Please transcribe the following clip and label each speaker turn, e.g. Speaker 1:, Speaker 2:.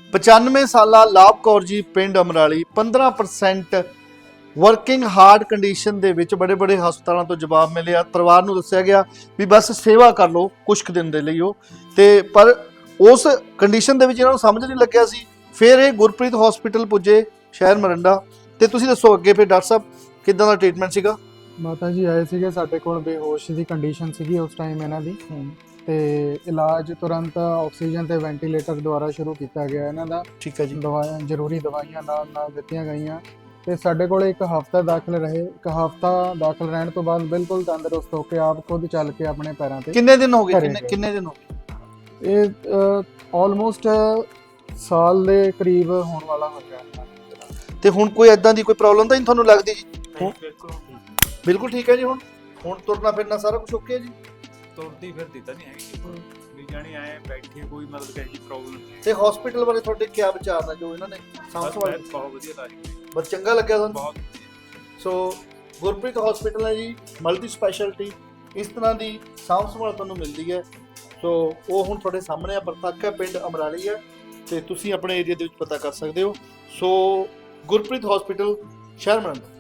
Speaker 1: 95 ਸਾਲਾ ਲਾਭ ਕੌਰ ਜੀ ਪਿੰਡ ਅਮਰਾਲੀ 15% ਵਰਕਿੰਗ ਹਾਰਡ ਕੰਡੀਸ਼ਨ ਦੇ ਵਿੱਚ ਬੜੇ ਬੜੇ ਹਸਪਤਾਲਾਂ ਤੋਂ ਜਵਾਬ ਮਿਲਿਆ। ਪਰਿਵਾਰ ਨੂੰ ਦੱਸਿਆ ਗਿਆ ਵੀ ਬਸ ਸੇਵਾ ਕਰ ਲਓ ਕੁਝ ਕੁ ਦਿਨ ਦੇ ਲਈ ਉਹ, ਤੇ ਪਰ ਉਸ ਕੰਡੀਸ਼ਨ ਦੇ ਵਿੱਚ ਇਹਨਾਂ ਨੂੰ ਸਮਝ ਨਹੀਂ ਲੱਗਿਆ ਸੀ। ਫਿਰ ਇਹ ਗੁਰਪ੍ਰੀਤ ਹਸਪੀਟਲ ਪੁੱਜੇ ਸ਼ਹਿਰ ਮਰੰਡਾ। ਤੇ ਤੁਸੀਂ ਦੱਸੋ ਅੱਗੇ ਫਿਰ ਡਾਕਟਰ ਸਾਹਿਬ ਕਿੱਦਾਂ ਦਾ ਟ੍ਰੀਟਮੈਂਟ ਸੀਗਾ?
Speaker 2: ਮਾਤਾ ਜੀ ਆਏ ਸੀਗੇ ਸਾਡੇ ਕੋਲ, ਬੇਹੋਸ਼ ਦੀ ਕੰਡੀਸ਼ਨ ਸੀਗੀ ਉਸ ਟਾਈਮ ਇਹਨਾਂ ਦੀ, ਤੇ ਇਲਾਜ ਤੁਰੰਤ ਆਕਸੀਜਨ ਤੇ ਵੈਂਟੀਲੇਟਰ ਦੁਆਰਾ ਸ਼ੁਰੂ ਕੀਤਾ ਗਿਆ ਇਹਨਾਂ ਦਾ।
Speaker 1: ਠੀਕ ਹੈ ਜੀ।
Speaker 2: ਦਵਾਈਆਂ, ਜ਼ਰੂਰੀ ਦਵਾਈਆਂ ਨਾਲ ਦਿੱਤੀਆਂ ਗਈਆਂ ਤੇ ਸਾਡੇ ਕੋਲ ਇੱਕ ਹਫ਼ਤਾ ਦਾਖਲ ਰਹੇ। ਇੱਕ ਹਫ਼ਤਾ ਦਾਖਲ ਰਹਿਣ ਤੋਂ ਬਾਅਦ ਬਿਲਕੁਲ ਤੰਦਰੁਸਤ ਹੋ ਕੇ ਆਪ ਖੁਦ ਚੱਲ ਕੇ ਆਪਣੇ ਪੈਰਾਂ ਤੇ।
Speaker 1: ਕਿੰਨੇ ਦਿਨ ਹੋ ਗਏ? ਕਿੰਨੇ ਦਿਨ ਹੋ ਗਏ?
Speaker 2: ਇਹ ਆਲਮੋਸਟ ਸਾਲ ਦੇ ਕਰੀਬ ਹੋਣ ਵਾਲਾ ਹੋ ਗਿਆ।
Speaker 1: ਤੇ ਹੁਣ ਕੋਈ ਐਦਾਂ ਦੀ ਕੋਈ ਪ੍ਰੋਬਲਮ ਤਾਂ ਨਹੀਂ ਤੁਹਾਨੂੰ ਲੱਗਦੀ ਜੀ? ਬਿਲਕੁਲ ਠੀਕ ਹੈ ਜੀ। ਹੁਣ ਤੁਰਨਾ ਫਿਰਨਾ ਸਾਰਾ ਕੁਝ ਓਕੇ ਹੈ ਜੀ?
Speaker 3: ਤੁਰਦੀ ਫਿਰਦੀ ਤਾਂ ਨਹੀਂ ਹੈਗੀ ਵੀ ਜਾਣੀ ਆਏ ਬੈਠੇ, ਕੋਈ ਮਤਲਬ ਕਿ ਇਹਦੀ ਪ੍ਰੋਬਲਮ ਨਹੀਂ।
Speaker 1: ਤੇ ਹਸਪੀਟਲ ਬਾਰੇ ਤੁਹਾਡੇ ਕੀ ਵਿਚਾਰ ਨੇ ਜੋ ਇਹਨਾਂ ਨੇ ਸੰਭਾਲ?
Speaker 3: ਬਹੁਤ ਵਧੀਆ ਇਲਾਜ ਕੀਤਾ,
Speaker 1: ਬਹੁਤ ਚੰਗਾ ਲੱਗਿਆ ਤੁਹਾਨੂੰ?
Speaker 3: ਬਹੁਤ।
Speaker 1: ਸੋ ਗੁਰਪ੍ਰੀਤ ਹਸਪੀਟਲ ਹੈ ਜੀ, ਮਲਟੀ ਸਪੈਸ਼ਲਟੀ, ਇਸ ਤਰ੍ਹਾਂ ਦੀ ਸਾਂਭ ਸੰਭਾਲ ਤੁਹਾਨੂੰ ਮਿਲਦੀ ਹੈ। ਸੋ ਉਹ ਹੁਣ ਤੁਹਾਡੇ ਸਾਹਮਣੇ ਆ, ਪ੍ਰਤੱਖ ਹੈ, ਪਿੰਡ ਅਮਰਾਲੀ ਹੈ, ਤੇ ਤੁਸੀਂ ਆਪਣੇ ਏਰੀਆ ਦੇ ਵਿੱਚ ਪਤਾ ਕਰ ਸਕਦੇ ਹੋ। ਸੋ ਗੁਰਪ੍ਰੀਤ ਹਸਪੀਟਲ ਸ਼ਹਿਰ ਮਰੰਡਾ।